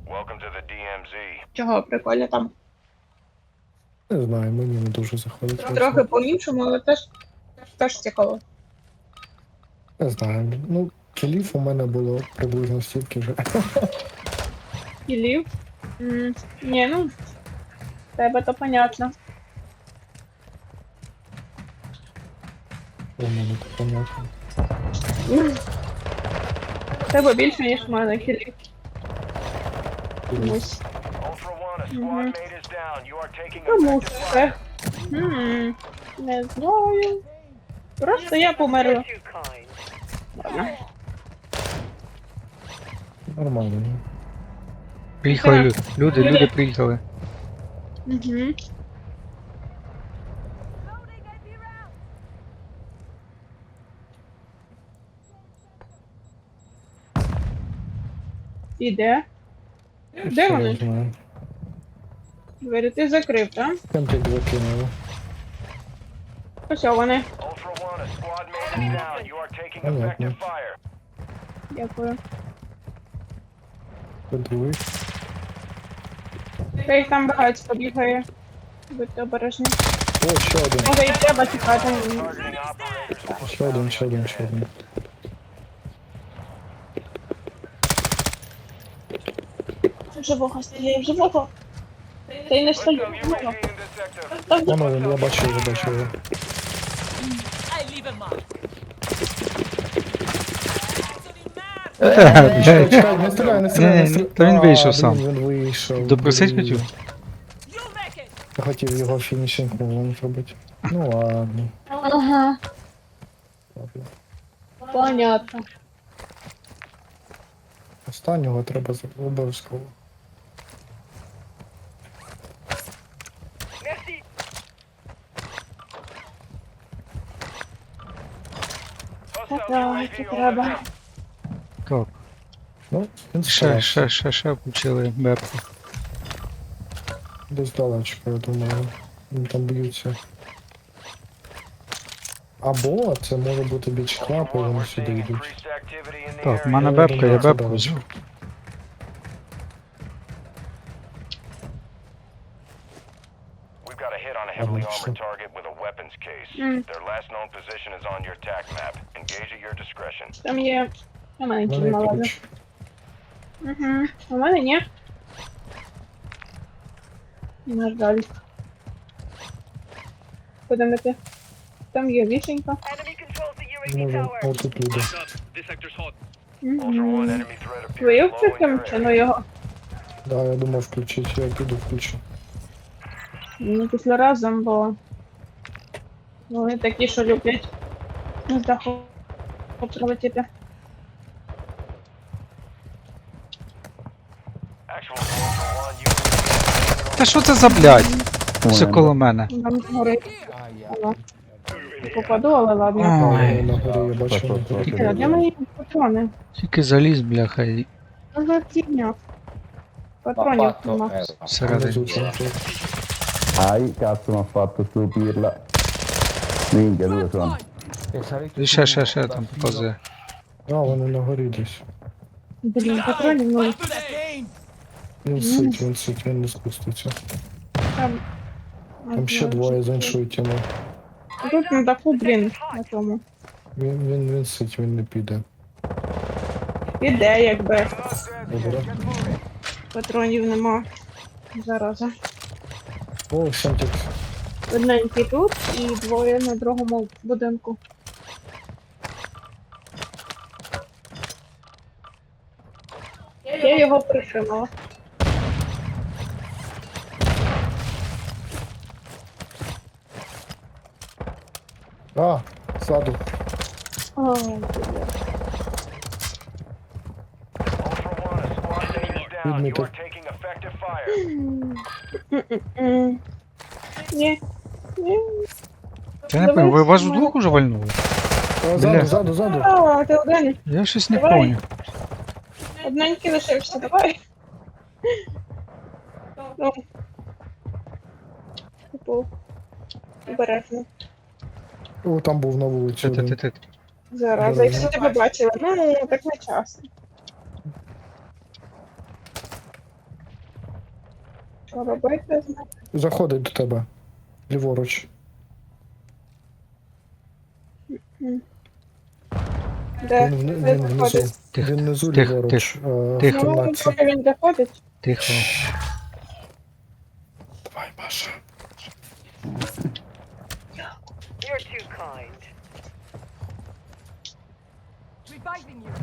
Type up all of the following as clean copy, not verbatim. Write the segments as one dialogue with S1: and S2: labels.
S1: Чого, прикольно там.
S2: Не знаю, мені не дуже заходить.
S1: Трохи по-іншому, але теж цікаво.
S2: Не знаю. Ну, кілів у мене було приблизно стільки вже.
S1: Кілів? Ні, ну, в тебе то понятно.
S2: У мене то понятно.
S1: В тебе більше, ніж в мене кілів. Комусь. Тому це. Не знаю. Просто я померла. Ладно.
S2: Нормально.
S3: Приїхали люди приїхали.
S1: Угу. І де? Де
S2: Все,
S1: вони?
S2: я знаю.
S1: Двері ти закрив, так?
S2: Там ти два кинули.
S1: Ось вони.
S2: Понятно.
S1: Дякую.
S2: Це другий.
S1: Та їх там багато бігає. Будьте обережні.
S2: О, ще один.
S1: Може і треба чекати.
S2: Ще один, ще один, ще один.
S1: Живого стріляє, живого. Та й не стою.
S2: Воно він, я бачу його, бачу його. Чекай, не стріляй, не стріляй, не стріляй.
S3: Та він вийшов
S2: А,
S3: сам.
S2: Він вийшов.
S3: Допросить
S2: блін.
S3: хотів?
S2: Я хотів його фінішинг мувом зробити. Ну ладно.
S1: Ага,
S2: Ладно.
S1: понятно.
S2: Останнього треба обов'язково.
S1: Так, треба.
S3: Так.
S2: Ну, він
S3: Ще
S2: старався.
S3: включили бепку.
S2: Десь далечко, я думаю. Вони там б'ються. Або це може бути бічклап, і вони сюди йдуть.
S3: Так, в мене
S2: Я
S3: бепка,
S2: думаю,
S3: я
S2: це
S3: бепку
S2: далечко.
S3: взяв.
S2: Ладно, все.
S1: Там є. У мене
S2: У
S1: кіл
S2: мене
S1: ладно.
S2: ключ.
S1: Угу. У мене ні. На жаль. Будемо йти. Там є вішенька.
S2: Може, отут люди.
S1: Угу. Ви включимо чи ну його?
S2: Да, я думав включити, я піду включу.
S1: Ну, після разом, бо вони такі, що люблять з даху прилетіти.
S3: Та що це за блядь? Все коло мене.
S1: Там згорить. Ну, попаду, але ладно.
S3: Ой,
S2: На горі я бачу на горі.
S1: Де мої патрони?
S3: тільки заліз, бляха, і
S1: Що за фігня? Патронів нема.
S3: всередині.
S2: Внизу там тут.
S4: Ai, cazzo, mi ha fatto stupirla. Minchia, due sono.
S3: І ще там показує.
S2: А, вони на горі десь.
S1: Блін, патронів нуль.
S2: Він сить, він не спуститься.
S1: Там.
S2: Там ще двоє з іншої тіни.
S1: Тут на даху, блін, на тому.
S2: Він сить, він не піде.
S1: Іде, якби.
S2: Добре.
S1: Патронів нема. Зараза.
S2: О, Сантик.
S1: Одненький тут і двоє на другому будинку. Я його притримала.
S2: А, ззаду.
S1: Ой, бля.
S2: Відмітив.
S1: М. Ні. Ні.
S3: Я не пам'ятаю, ви вас вдвох уже вальнули?
S2: А,
S3: Бля.
S2: ззаду.
S1: А, ти один.
S3: Я щось не
S1: Давай.
S3: поняв.
S1: Одненький лишився, давай. Ну. Типу. Обережно.
S2: О, там був на вулиці один.
S3: Ти.
S1: Зараза, якщо тебе бачили, ну, так не часто. Що робити?
S2: Заходить до тебе. Ліворуч.
S1: Де?
S2: Він
S1: Де
S2: внизу.
S1: заходить?
S3: Тихо,
S2: Він внизу
S3: тихо,
S2: ліворуч. В
S3: тихо.
S1: Ну,
S2: кімнатці.
S1: поки він заходить.
S3: Тихо.
S2: Давай, Маша.
S5: You're too kind. Reviving you.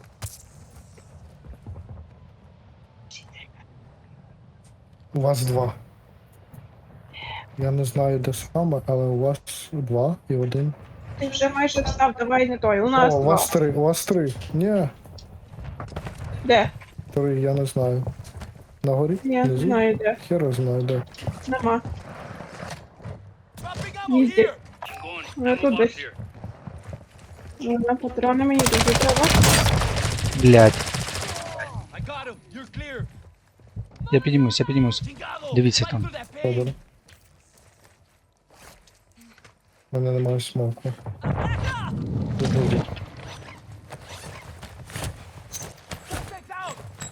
S2: У вас два. Я не знаю, де саме, але у вас два і один.
S1: Ти вже майже встав, давай не той. У нас
S2: О, у
S1: два.
S2: вас три, у вас три. Ні,
S1: Де?
S2: три, я не знаю. На горі?
S1: Я не
S2: Внизу?
S1: знаю де.
S2: Хера знаю, де.
S1: Нема. Їздить. Ну тут десь. Ну, на патрони мені дуже треба.
S3: Блядь.
S6: I got him. You're clear.
S3: Я піднімусь, я піднімусь.
S6: Chingado.
S3: Дивіться
S6: Fight
S3: там.
S6: for that pain.
S2: Добре. У мене немає смоку. Виходить.
S6: Suspects out.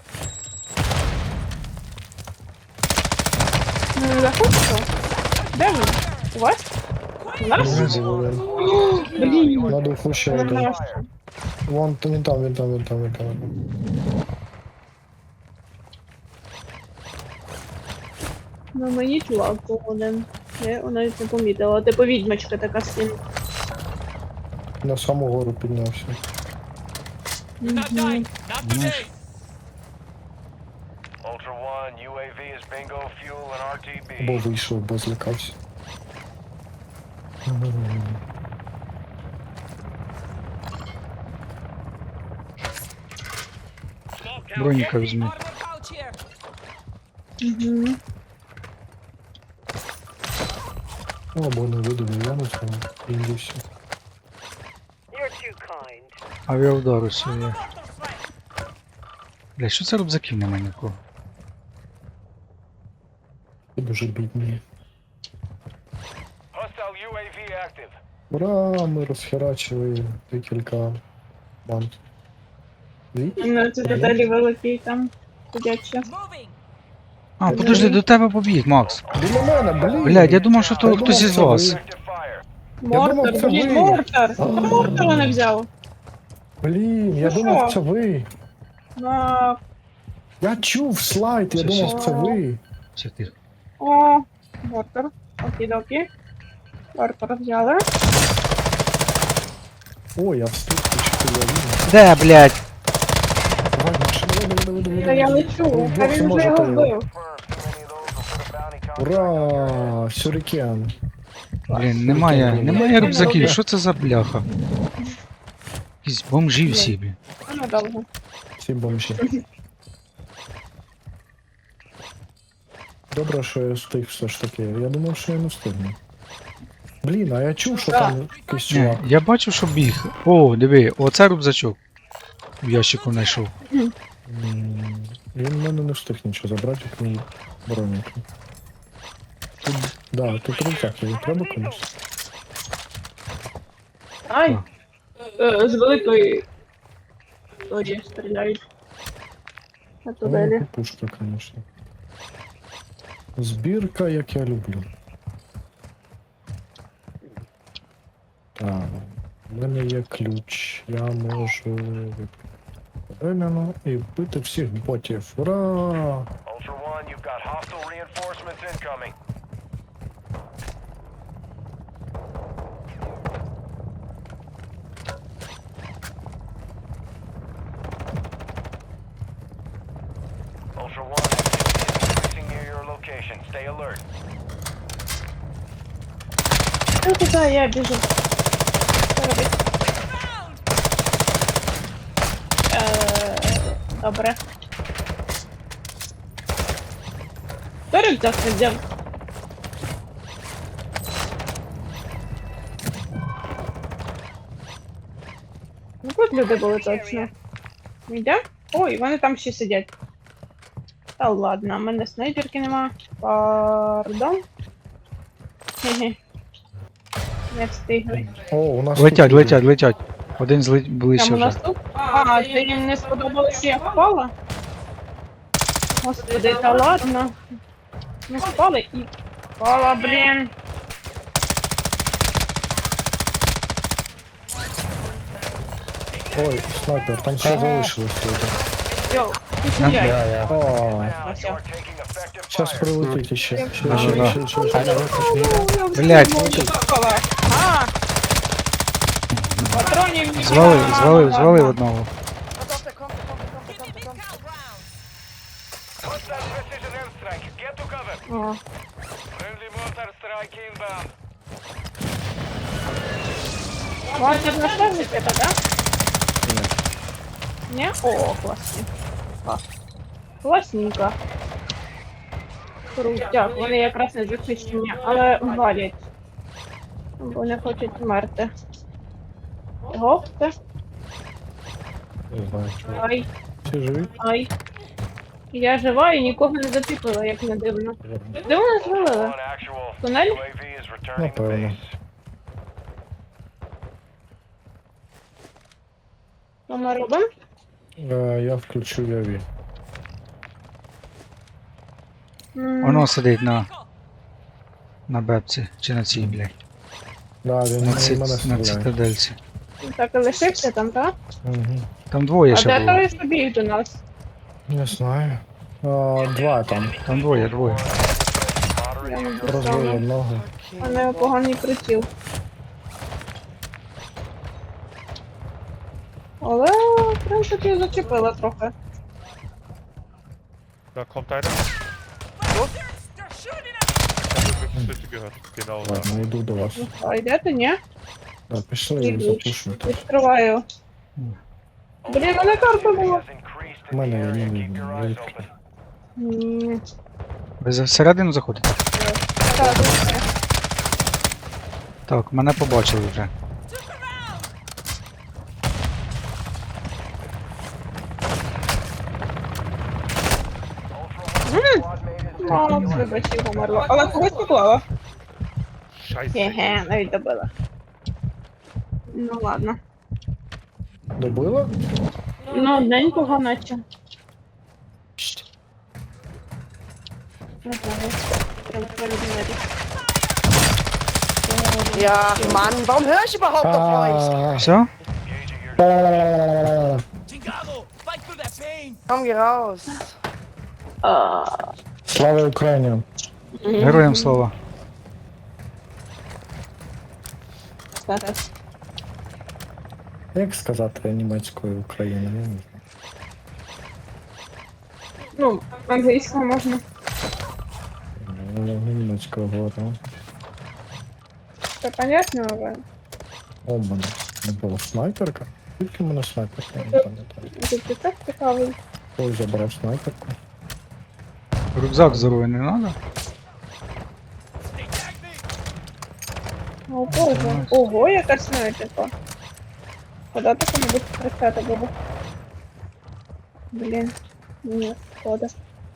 S1: Ну, не заходиться? Де він? У вас? У нас?
S2: Внизу один.
S1: Блін.
S2: На духу ще
S1: У
S2: один.
S1: нас.
S2: Вон, він там, він там, він там, він там.
S1: На мені чувак був один. Я його навіть не помітила. Типу відьмачка така сильна.
S2: На саму гору піднявся.
S6: Not dying. Not today.
S7: Ultra One, UAV is bingo fuel and
S2: Бо
S7: RTB.
S2: вийшов, бо злякався.
S3: Броніка візьми.
S1: Угу.
S2: Або не видумав, я не знаю. Індівся.
S5: You're too kind.
S3: Авіаудар усе є. Бля, що це рюкзаків немає нікого?
S2: Ти дуже бідний.
S7: Hostile UAV active.
S2: Ура, ми розхерачили декілька банд. Дві?
S1: На це деталі великі там сидять ще.
S3: А, подожди, до тебе побіг, Макс.
S2: Біля мене, блін!
S3: Блядь, я думав, що то
S2: Я
S3: хтось
S2: думав,
S3: із
S2: це
S3: вас.
S2: ви.
S7: Active fire.
S2: думав,
S1: Мортар,
S2: це
S1: блін,
S2: ви.
S1: мортар! Мортара не взяв.
S2: Блін, я
S1: Ну
S2: думав,
S1: що?
S2: це ви.
S1: На...
S2: Я чув слайд, я
S3: Що,
S2: думав,
S1: що?
S2: це ви.
S3: Все тихо.
S1: О, мортар. Окей-докі. Мортар взяли.
S2: Ой, я встиг, чи я вірю.
S3: Де, блядь?
S2: Давай, Маша, давай.
S1: Та я лечу, а він вже його вбив.
S7: Confirmed. Too many of those will put a bounty contract.
S2: Ура, сюрикен.
S3: Блін, немає рюкзаків, що це за бляха? Якісь бомжі всі, блін.
S1: А надовго.
S2: Всі бомжі. Добре, що я встиг все ж таки. Я думав, що я не встигну. Блін, а я чув, що там якийсь
S3: Ні,
S2: чувак.
S3: я бачу, що біг. О, диви, оце рюкзачок. В ящику знайшов.
S2: Він в мене не встиг нічого забрати, як мій бронік. Тут, да, тут рюкзак є, треба комусь.
S1: Ай! З великої... Тоді стріляють. На тунелі.
S2: Пушка, звісно. Збірка, як я люблю. Так, у мене є ключ. Я можу Рем'яно і вбити всіх ботів. Ура!
S7: Ultra One, you've got hostile reinforcements incoming. Ultra One, activity is increasing near your location. Stay alert.
S1: Ну туди я біжу. Що робити? Добре. Хто рюкзак не взяв? Ну тут люди були точно. Йде? Ой, вони там ще сидять. Та ладно, в мене снайперки нема. Пардон. Хе-хе. Не встигли.
S2: О, у нас
S3: Летять,
S2: тут
S3: летять, летять. Один ближче
S1: Там у нас
S3: вже.
S1: тут? А, це їм не сподобалось, що я впала? Господи, та ладно. Ну, впали і... Впала, блін.
S2: Ой, снайпер, там ще залишилось тут.
S1: Йоу, ти сідай.
S2: О,
S7: Now you are taking effective
S2: зараз
S7: fire.
S2: прилетить іще. Ще.
S3: Блять,
S1: А! Патронів
S3: звалив одного.
S7: Hostile precision airstrike. Get to cover.
S1: О,
S7: Friendly mortar strike inbound.
S1: вас тут наставник это, да? Не? О, класно. Клас. Класненько. Крутяк, вони якраз не захищені, але валять. Бо не хочуть вмерти. Гопте.
S2: Не знаю, чого.
S1: Ай,
S2: Всі живі?
S1: ай. Я жива і нікого не зацепила, як не дивно. Де вони звалили?
S7: One actual.
S1: Тунель?
S7: UAV is returning to
S2: Напевно.
S7: base.
S1: Що ми робимо?
S2: Я включу Яві.
S3: Воно сидить на бепці, чи на цій, блядь.
S2: Да, він
S3: На,
S2: на мене
S3: на
S2: стріляє.
S3: цитадельці.
S1: Так і лишився там, так?
S2: Угу.
S3: Там двоє
S1: А
S3: ще
S1: де
S3: було.
S1: той побіг до нас?
S2: Не знаю. Два там.
S3: Там двоє.
S1: Я не
S2: Розбив
S1: достану.
S2: одного.
S1: У мене поганий приціл. Але, в принципі, зачепила трохи.
S8: Da kommt einer. Ich habe wirklich Schritte gehört. Genau da.
S2: Ладно, йду до вас.
S1: А йдете, ні?
S2: Да, пішли і
S1: Йду.
S2: запушимо.
S1: Відкриваю. Блін, мене карта була.
S7: Has increased
S2: У
S7: in the
S2: мене
S7: area.
S2: є
S7: Keep your eyes
S2: не
S7: open.
S1: Ні.
S3: Ви всередину заходите?
S1: Так, добре.
S3: Так, мене побачили вже.
S7: Squad mate is
S1: Мало вибачів померло. Але когось поклала.
S8: Scheiße.
S1: Хе-хе, навіть добила. Ну ладно.
S2: Добила?
S1: Ну, одненького наче. Не знаю. Треба передумати.
S9: Ja, Mann, warum höre ich überhaupt auf euch?
S3: Все?
S6: Chingado! Fight through that pain!
S9: Komm, geh raus.
S2: Слава Україні!
S3: Героям слава.
S1: Зараз.
S2: Як сказати німецькою Україна? Я не знаю.
S1: Ну, англійською можна.
S2: Німецькою говорю.
S1: Це понятно, але
S2: О, в мене не було снайперка. Тільки в мене снайперка, я не пам'ятаю.
S1: тут і так цікавий.
S2: Ой, забрав снайперку.
S3: Рюкзак здоровий не треба?
S1: О, Боже. Ого, яка снайперка. Куди таке-небудь працювати було? Блін. Ні, шкода.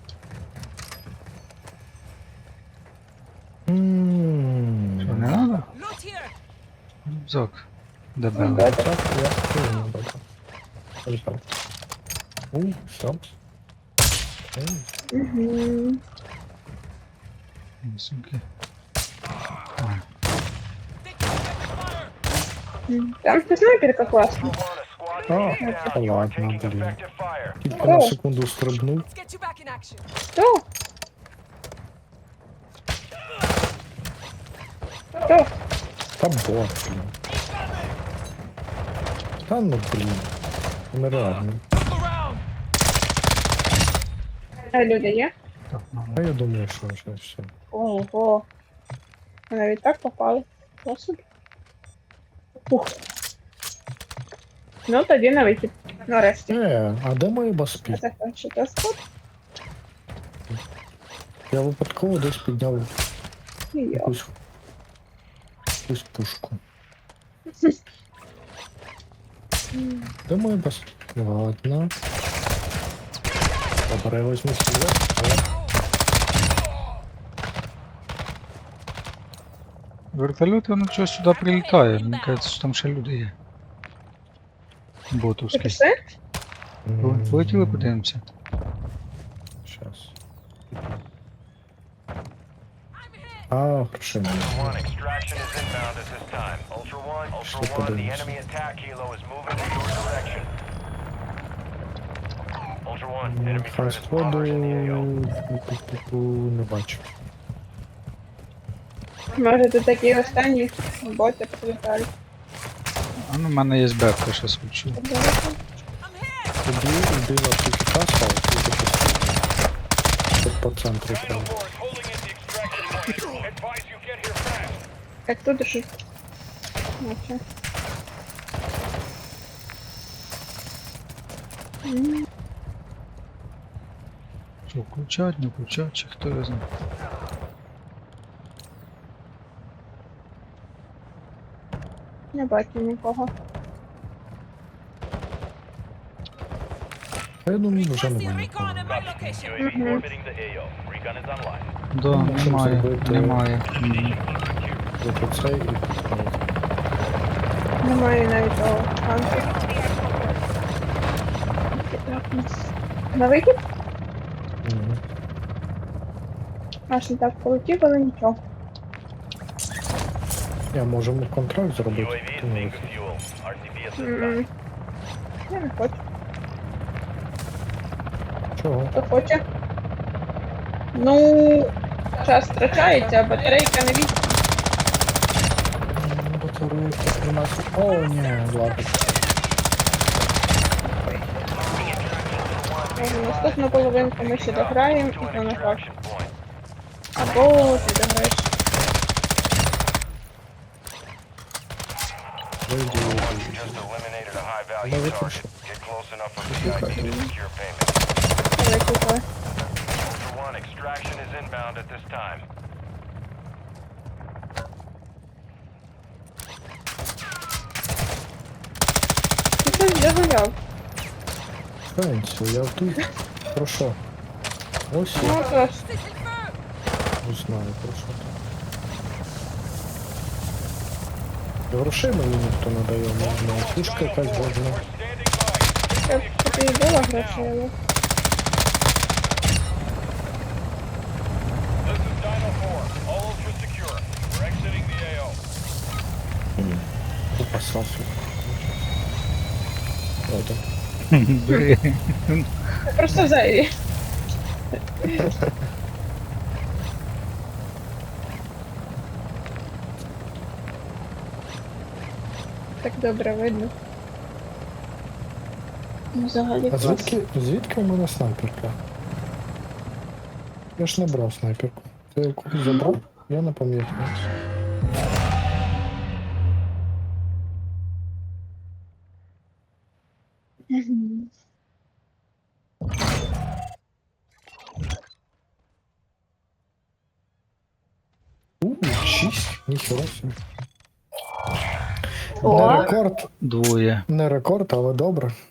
S3: Що, не треба? Рюкзак. Дебелий.
S2: Так, я скину, добре. Лежав. Все.
S1: Угу.
S3: Сумки.
S1: Там ще снайперка класна.
S7: Ultra One, a squad
S2: А,
S7: mate is
S2: та
S7: down. You are
S2: ладно,
S7: taking
S2: блін.
S7: effective fire.
S2: Тільки на секунду стрибнув.
S1: Хто? Хто?
S2: Та бот, блін. Та ну, блін. Нереально.
S1: Люди є?
S3: Так, ну,
S2: А я думаю, що вже все.
S1: Ого. Ми навіть так попали. Досить. Ух. Ну, тоді на вихід. Нарешті.
S2: А де мої баспі?
S1: Закінчити спот.
S2: Я випадково десь підняв
S1: І я.
S2: якусь пушку. Де мої баспі? Ладно. Добре, я возьму себе.
S3: Вертольот, воно щось сюди прилітає. Мені кажеться, що там ще люди є.
S1: Ти
S3: Ботовські.
S1: пішли?
S3: Полетіли, подивимося.
S2: Щас. А, грошей немає.
S7: Ultra One, extraction is inbound at this time. Ultra One, the enemy attack helo is moving in your direction. Ultra One, enemy
S2: Хай
S7: threat is
S2: сходу
S7: moderate in the AO.
S2: не бачу.
S1: Може, тут такі останні боти прилітають.
S3: А ну, в мене є бепка, щас учу.
S2: Тоді йди на птичка став, і тут по центру треба.
S1: Як тут же? Наче.
S3: Що, включать, не включать, чи хто його знає.
S1: Не бачу нікого.
S2: А я думаю, вже немає нікого.
S7: UAV orbiting the AO. Recon is online.
S3: Да, немає, немає. Мгм.
S2: Зато цей і тут.
S1: Немає навіть того танку. На вихід?
S2: Мгм.
S1: Аж не так полетів, але нічого.
S2: Я можемо контракт зробити.
S7: UAV is
S2: ти не
S7: being
S2: вихід.
S7: fueled. RCB is inbound.
S1: М. Я не хочу.
S2: Чого?
S1: Хто хоче? Ну, час втрачається, а батарейка не від...
S2: Батарейка 13. О, ні, ладно.
S1: Може, наступну половинку ми ще дограємо
S7: To
S1: і
S7: an
S1: то на грах.
S7: extraction point.
S1: Або ти дограєш.
S2: Вийди,
S7: You just eliminated a high-value
S2: Давай
S7: target.
S2: прошу.
S7: Get close enough for VIP to secure payment.
S1: Давай купи.
S7: Ultra One, extraction is inbound at this time.
S1: Ти щось загуляв.
S2: Пенсію, я тут. Про що? Ось
S1: Ну,
S2: я
S1: тож.
S2: не знаю, про що там. Грошей мені ніхто не дає, можна фішка якась важна.
S1: Це тобі і було грошей, але...
S7: This is Dino 4. All ultra secure. We're exiting the AO.
S2: Купа сасу. Ладно.
S3: Блін.
S1: Це просто зайві. Так добре видно. Ну, взагалі
S2: А
S1: клас.
S2: звідки у мене снайперка? Я ж не брав снайперку. Ти яку забрав? Я не пам'ятаю.
S1: Мгм.
S2: У, 6? Ніхера собі.
S1: О.
S2: Не рекорд,
S3: Двоє.
S2: не рекорд, але добре.